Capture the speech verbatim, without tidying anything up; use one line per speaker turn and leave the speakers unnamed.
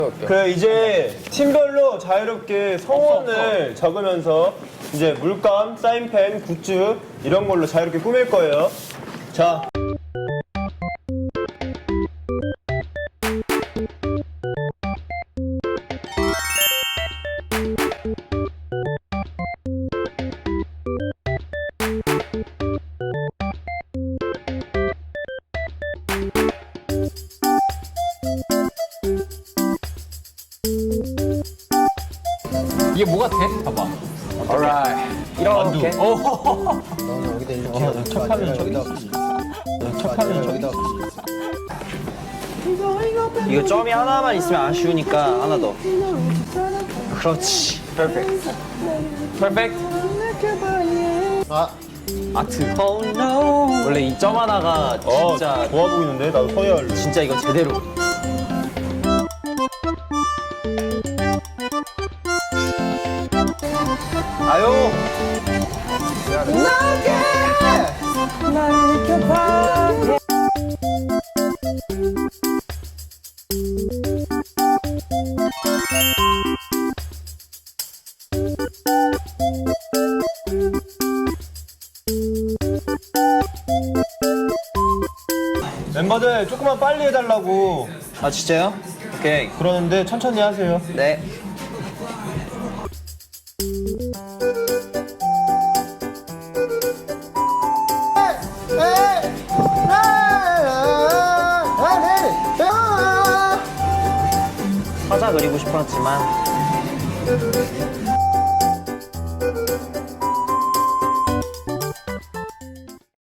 그 이제 팀별로 자유롭게 성원을 적으면서 이제 물감, 사인펜, 굿즈 이런 걸로 자유롭게 꾸밀 거예요. 자.
이게 뭐가 돼? 봐봐.
alright.
이렇게.
너는 여기다 이렇게
어, 첫 화면
여기다
첫 화면
여기다
이거 점이 하나만 있으면 아쉬우니까 하나 더. 그렇지. 퍼펙트. 퍼펙트.
아
아트. Oh no. 원래 이 점 하나가
어,
진짜
좋아 보이는데? 나도 서열.
진짜 이건 제대로. 아유.
멤버들 조금만 빨리 해달라고
아 진짜요? 오케이.
그러는데 천천히 하세요.
네. 화자 그리고 싶었지만